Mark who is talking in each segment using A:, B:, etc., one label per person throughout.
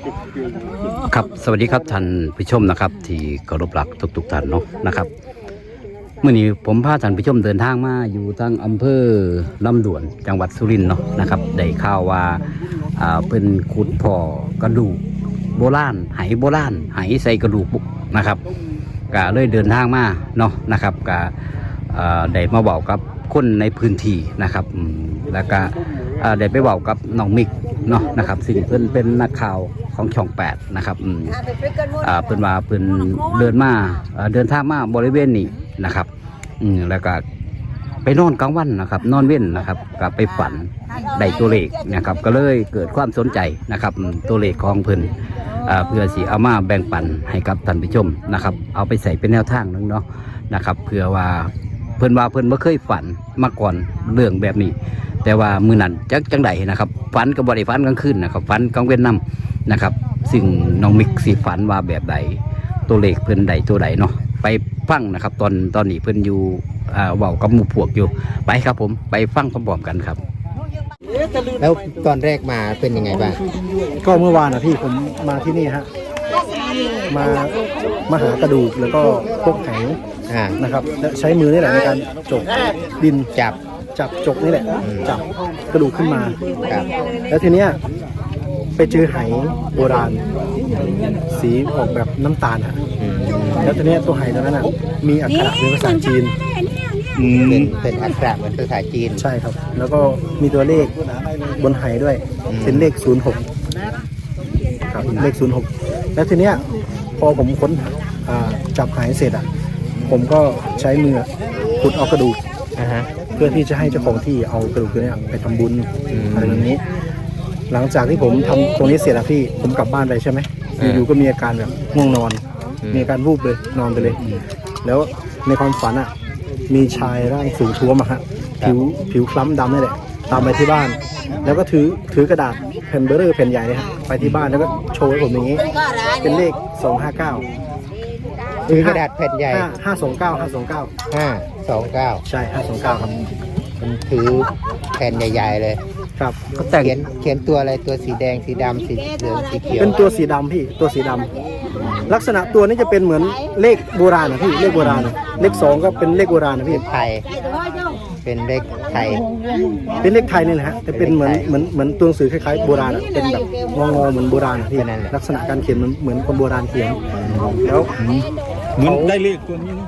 A: ครับสวัสดีครับท่านผู้ชมนะครับที่เคารพรักทุกท่านเนาะนะครับเมื่อนี้ผมพาท่านผู้ชมเดินทางมาอยู่ทางอำเภอลำดวนจังหวัดสุรินทร์เนาะนะครับได้ข่าวว่าเป็นขุดพ่อกระดูกโบราณไหโบราณไหใส่กระดูกบุกนะครับก็เลยเดินทางมาเนาะนะครับก็ได้มาบอกกับคนในพื้นที่นะครับแล้วก็ได้ไปบอกกับน้องมิกเนาะนะครับสิ่งเพิ่นเป็นนักข่าวของช่อง8นะครับเพิ่นว่าเพิ่นเดินทางมาบริเวณนี้นะครับแล้วก็ไปนอนกลางวันนะครับนอนเว้นนะครับก็ไปฝันได้ตัวเลขนะครับก็เลยเกิดความสนใจนะครับตัวเลขของเพิ่นเพื่อสิเอามาแบ่งปันให้กับท่านผู้ชมนะครับเอาไปใส่เป็นแนวทางนึงเนาะนะครับเพื่อว่าเพิ่นบ่เคยฝันมาก่อนเรื่องแบบนี้แต่ว่ามือนั้นจังใดนะครับฝันกับบริฝันกลางคืนนะครับฝันกลางเว้นนำนะครับซึ่งน้องมิกสิฝันว่าแบบใดตัวเลขเพิ่นใดตัวใดเนาะไปฟังนะครับตอนนี้เพิ่นอยู่เว้ากับหมู่พวกอยู่ไปครับผมไปฟังพร้อมๆกันครับ
B: แล้วตอนแรกมาเป็นยังไงบ้าง
C: ก็เมื่อวานนะพี่ผมมาที่นี่ฮะมาหากระดูกแล้วก็พวกไหนะครับและใช้มือนี่แหละในการจกดินจับจกนี่แหละจับกระดูกขึ้นมาแล้วทีเนี้ยไปเจอไหโบราณสีออกแบบน้ำตาลฮะแล้วทีเนี้ยตัวไหตัวนั้นอ่ะมีอักขระเป็นภาษาจีน
B: เป็นอักขระเหมือนภาษาจีน
C: ใช่ครับแล้วก็มีตัวเลขบนไหด้วยเป็นเลข06ครับเลข06แล้วทีเนี้ยพอผมค้นจับไหเสร็จอ่ะผมก็ใช้มือขุดเอากระดูกเพื่อที่จะให้เจ้าของที่เอากระดูกตัวนี้ไปทำบุญอะไรแบบนี้หลังจากที่ผมทำตรงนี้เสร็จแล้วพี่ผมกลับบ้านไปใช่ไหมอยู่ก็มีอาการแบบง่วงนอนมีอาการวูบเลยนอนไปเลยแล้วในความฝันอ่ะมีชายร่างสูงท้วมอะฮะผิวคล้ำดำนี่แหละตามไปที่บ้านแล้วก็ถือกระดาษแผ่นเบอร์เรอร์แผ่นใหญ่เลยฮะไปที่บ้านแล้วก็โชว์ให้ผมอย่างนี้เป็นเลข259
B: ถือกระดาษแผ่นใหญ่
C: 529ใช่529ครับ
B: มันถือแผ่นใหญ่ๆเลย
C: ครับ
B: เขียนตัวอะไรตัวสีแดงสีดำสีเหลืองสีเขียว
C: เป็นตัวสีดำพี่ตัวสีดำลักษณะตัวนี้จะเป็นเหมือนเลขโบราณนะพี่เลขโบราณเลข2ก็เป็นเลขโบราณนะพี่
B: ไทยเป็นเลขไทย
C: นี่แหละฮะแต่เป็นเหมือนตัวหนังสือคล้ายๆโบราณเป็นแบบงอเหมือนโบราณพี่ลักษณะการเขียนเหมือนคนโบราณเขียนแล้ว
D: เหมือนได้เลขตัวนี้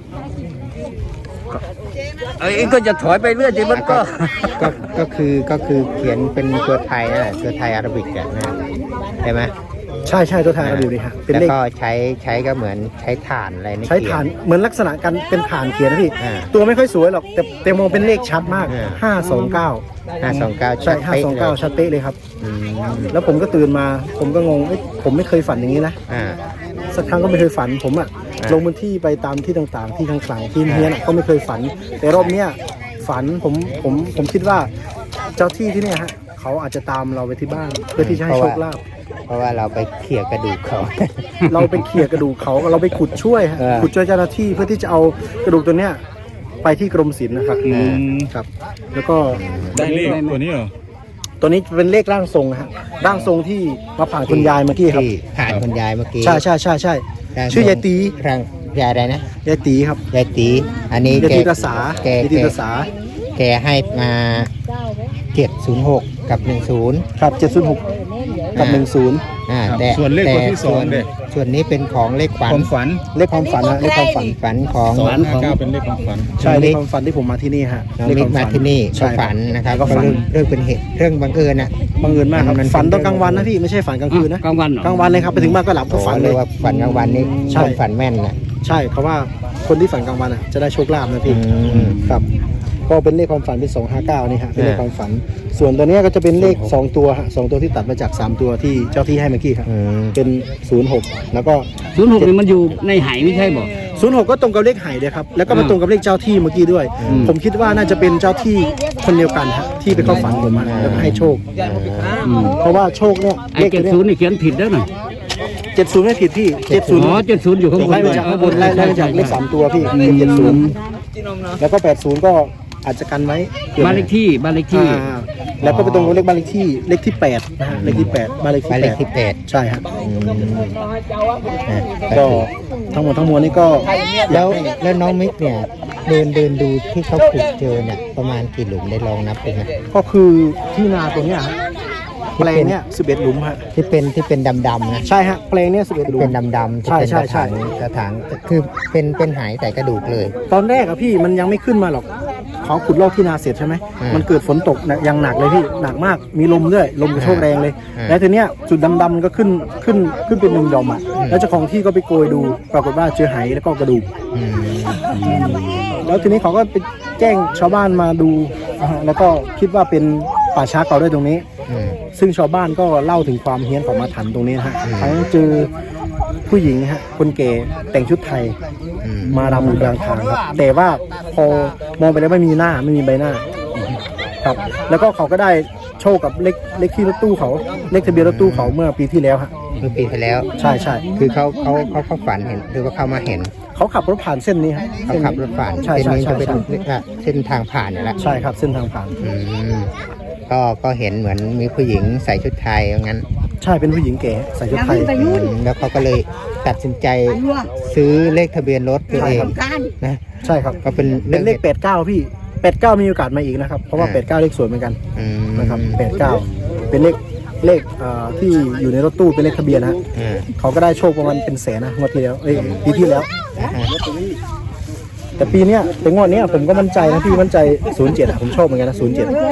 A: ก็จะถอยไปเรื่อยจริงมัน
B: ก็คือเขียนเป็นตัวไทยนะตัวไทยอาราบิกอะนะใช่ไหม
C: ใช่ตัวไทยอาราบิกเลยฮะ
B: เป็นเลขก็ใช้ก็เหมือนใช้ถ่านอะไรนี่
C: ใช้ถ่านเหมือนลักษณะการเป็นถ่านเขียนนะพี่ตัวไม่ค่อยสวยหรอกแต่มองเป็นเลขชัดมาก529ใช่529ชัดเป๊ะเลยครับแล้วผมก็ตื่นมาผมก็งงผมไม่เคยฝันอย่างนี้นะสักครั้งก็ไม่เคยฝันผมลงพื้นที่ไปตามที่ต่างๆที่ทางขลังที่เฮียนก็ไม่เคยฝันแต่รอบเนี้ยฝันผมคิดว่าเจ้าที่ที่เนี่ยฮะเขาอาจจะตามเราไปที่บ้านเพื่อที่จะให้โชคลาภ
B: เพราะว่าเราไปเขี่ยกระดูกเขา
C: เราไปเขี่ยกระดูกเขาเราไปขุดช่วยเจ้าหน้าที่เพื่อที่จะเอากระดูกตัวเนี้ยไปที่กรมศิลป์นะครับครับแล้วก็
D: ได้เลขตัวนี้เหรอ
C: ตัวนี้เป็นเลขร่างทรงฮะร่างทรงที่มาผ่านคุณยายเมื่อกี้ครับ
B: ผ่านคุณยายเมื่อกี้
C: ใช่ชื่อยายตี
B: ร่างยายอะไรนะ
C: ยายตีครับ
B: ยายตีอันนี้
C: ยายตีภาษา
B: แกให้มา706กับ10
C: ครับ706กับ10
B: แต่
D: ส่วนเลขตัวที่2เนี่ย
B: ส่วนนี้เป็นของเลขฝัน
C: เลขความฝันนะเลขความฝัน
B: ของ
D: 259เป็นเลขความฝัน
C: ใช่เลขความฝันที่ผมมาที่นี่ฮะ
B: เลขมาที่นี่ก็ฝันนะครับก็เรื่องเป็นเหตุเรื่องบังเอิญนะ
C: บังเอิญมากครับฝันตอนกลางวันนะพี่ไม่ใช่ฝันกลางคืนนะ
A: กลาง
C: วันเลยครับไปถึงบ้านก็หลับก็ฝันเลย
B: ว่าฝันกลางวันนี้ใช่ฝันแม่นนะ
C: ใช่เพราะว่าคนที่ฝันกลางวันจะได้โชคลาภนะพี่ครับก็เป็นเลขความฝันเป็น259นี่ฮะเป็นเลขความฝันส่วนตัวนี้ก็จะเป็นเลข2ตัวฮะ2ตัวที่ตัดมาจาก3ตัวที่เจ้าที่ให้เมื่อกี้ครับเป็น06แล้วก็
A: 06นี่มันอยู่ในไหไม่ใช่บ่
C: 06ก็ตรงกับเลขไหเลยครับแล้วก็มาตรงกับเลขเจ้าที่เมื่อกี้ด้วยผมคิดว่าน่าจะเป็นเจ้าที่คนเดียวกันฮะที่ไปเข้าฝันผมแล้วก็ให้โชคเพราะว่าโชคเนี่ย
A: เลข70นี่เขียนผิดแล้วหน่อย
C: 70ไม่ผิดพี่
A: 70อยู่ข้างบน
C: ไล่มาจากข้างบนไล่มาจากเลข3ตัวพี่70แล้วก็80ก็อาจจะกันไว้
A: บ้านเลขที่
C: อ่าแล้วก็ไปตรงกับเลขบ้านเลขที่เลขที่8นะฮะเลขที่8บ้านเลข
B: หมายเลข
C: ที่
B: ที่
C: 8ใช่ฮะ
B: 8
C: ก็ทั้งหมดทั้งมวลนี่ก็
B: แล้วน้องมิกเนี่ยเดินดูที่เขาขุดเจอเนี่ยประมาณกี่หลุมได้ลองนับเป็นไหม
C: ก็คือที่นาตรงเนี้ยฮะแปลงเนี้ย11 หลุมฮะ
B: ที่เป็นดำๆนะ
C: ใช่ฮะแปลงเนี้ย11 หลุม
B: เป็นดำๆที่เป็น
C: ใช่ใช่
B: กระถางคือเป็นหายใส่กระดูกเลย
C: ตอนแรกอะพี่มันยังไม่ขึ้นมาหรอกเขาขุดลอกที่นาเสร็จใช่ไหม
B: อืม
C: มันเกิดฝนตกอย่างหนักเลยพี่หนักมากมีลมด้วยลมกระโชกแรงเลย
B: อืม
C: แล้วทีเนี้ยจุดดำๆมันก็ขึ้นเป็น1 หย่อมอะแล้วเจ้าของที่ก็ไปโกยดูปรากฏว่าเจอไหแล้วก็กระดูก
B: อืม
C: แล้วทีนี้เขาก็ไปแจ้งชาวบ้านมาดูแล้วก็คิดว่าเป็นป่าช้าเก่าด้วยตรงนี้
B: อืม
C: ซึ่งชาวบ้านก็เล่าถึงความเฮี้ยนของอาถรรพ์ตรงนี้นะฮะ
B: อืม
C: ทั้งเจอผู้หญิงฮะคนแก่แต่งชุดไทย
B: อืม
C: มารำอยู่กลางทางครับ แต่ว่าพอมองไปแล้วไม่มีหน้าไม่มีใบหน้าครับ แล้วก็เขาก็ได้โชคกับเลขที่รถตู้เขาเลขทะเบียนรถตู้เขาเมื่อปีที่แล้วฮะ
B: เมื่อปีที่แล้ว
C: ใช่ใช่
B: คือเขาฝันเห็นหรือว่าเขามาเห็น
C: เขาขับรถผ่านเส้นนี้ฮะ
B: เขาขับรถผ่าน
C: ใช่
B: เส้น
C: ใช่
B: นี้
C: ใช่
B: จะเป็น
C: ใช่
B: เส้นทางผ่านอยู่แล้ว
C: ใช่ครับเส้นทางผ่าน
B: อืมก็เห็นเหมือนมีผู้หญิงใส่ชุดไทยอย่างนั้น
C: ใช่เป็นผู้หญิงแก่ใส่ชุดไทย
B: แล้วเขาก็เลยตัดสินใจซื้อเลขทะเบียนรถตัวเองนะ
C: ใช่ครับ
B: ก็เป็น
C: เป็นเลข89พี่89มีโอกาสมาอีกนะครับเพราะว่า89เลขสวยเหมือนกัน
B: อืม
C: นะครับ89เป็นเลขที่อยู่ในรถตู้เป็นเลขทะเบียนนะฮะ
B: อืม
C: เขาก็ได้โชคประมาณเป็นแสนนะงวดที่แล้วปีที่แล้ว
B: อ่าฮะ
C: แต่ปีเนี้ยแต่งวดเนี้ยผมก็มั่นใจนะพี่มั่นใจ07อะผมชอบเหมือนกันนะ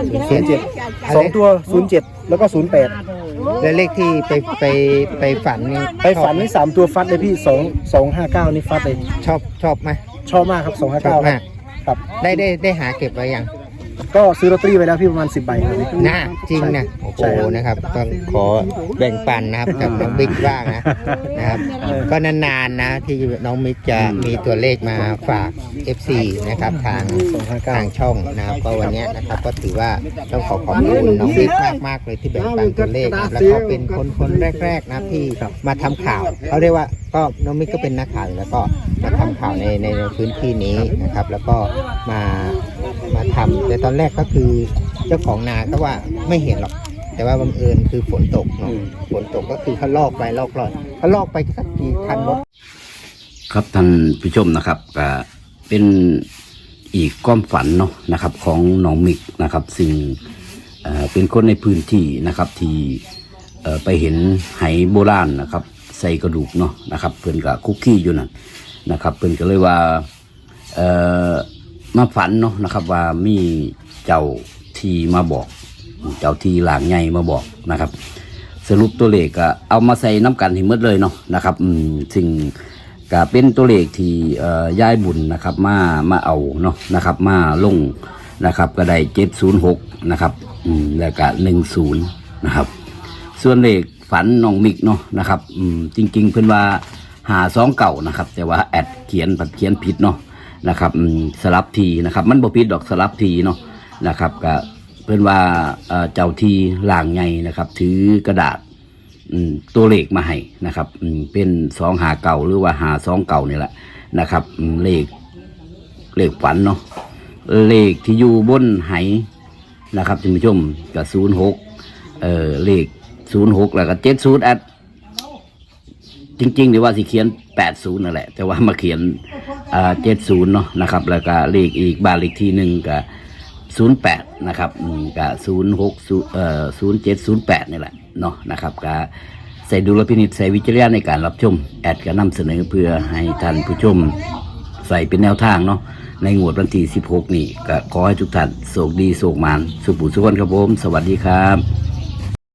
C: 07 2 ตัว07แล้วก็08
B: แล้วเลขที่ไปฝันนี่
C: ไปฝันนี่3ตัวฟัดเลยพี่259นี่ฟัดเลย
B: ชอบไหม
C: ชอบมากครับ
B: ชอบ
C: 259
B: มาก
C: ครับ
B: ได้หาเก็บไว้ยัง
C: ก็ซื้อลอตเตอรี่ไปแล้วพี่ประมาณ10 ใบครับ
B: น่าจริงนะโอ้โห
C: ใช่ครับ
B: นะครับต้องขอแบ่งปันนะครับกับน้องบิ๊กบ้างนะครับก็นานๆนะที่น้องมิกจะมีตัวเลขมาฝาก FC นะครับทางช่องนะครับก็วันเนี้ยนะครับก็ถือว่าต้องขอบคุณน้องบิ๊กมากๆเลยที่แบ่งปันตัวเลขนะแล้วก็เป็นคนแรกๆนะที่มาทำข่าวเขาเรียกว่าก็น้องมิกก็เป็นนักข่าวอยู่แล้วก็มาทำข่าวในพื้นที่นี้นะครับ แล้วก็มาทำแต่ตอนแรกก็คือเจ้าของนาก็ว่าไม่เห็นหรอกแต่ว่าบังเอิญคือฝนตกเนาะฝนตกก็คือเขาลอกไปลอกลอยเขาลอกไปสักกี่คันรถ
A: ครับท่านผู้ชมนะครับก็เป็นอีกความฝันเนาะนะครับของน้องมิกนะครับซึ่งเป็นคนในพื้นที่นะครับที่ไปเห็นไหโบราณนะครับใส่กระดูกเนาะนะครับเพิ่นกับคุกกี้อยู่นั่นนะครับเพิ่นก็เลยว่ามาฝันเนาะนะครับว่ามีเจ้าที่มาบอกเจ้าที่หลางใหญ่มาบอกนะครับสรุปตัวเลขก็เอามาใส่น้ำกันให้หมดเลยเนาะนะครับซึ่งก็เป็นตัวเลขที่ยายบุญนะครับมาเอาเนาะนะครับมาลงนะครับก็ได้706นะครับแล้วก็10นะครับส่วนเลขฝันน้องมิกเนาะนะครับจริงๆเพิ่นว่า52เก่านะครับแต่ว่าแอดเขียนผิดเนาะนะครับสลับทีนะครับมันบ่ผิดดอกสลับทีเนาะนะครับก็เพิ่นว่าเจ้าที่หลางใหญ่นะครับถือกระดาษตัวเลขมาให้นะครับเป็น259หรือว่า529นี่แหละนะครับเลขฝันเนาะเลขที่อยู่บนไหนะครับท่านผู้ชมก็06เลข06แล้วก็70แอดจริงๆหรือว่าสิเขียน80นั่นแหละแต่ว่ามาเขียน70เนาะนะครับแล้วก็เลขอีกบ้านเลขที่1ก็08นะครับก็0708นี่แหละเนาะนะครับก็ใส่ดุลพินิจใส่วิจารณญาณในการรับชมแอดก็นำเสนอเพื่อให้ท่านผู้ชมใส่เป็นแนวทางเนาะในงวดวันที่16นี่ก็ขอให้ทุกท่านโชคดีโชคมานสุขบุญสุขวันครับผมสวัสดีครับ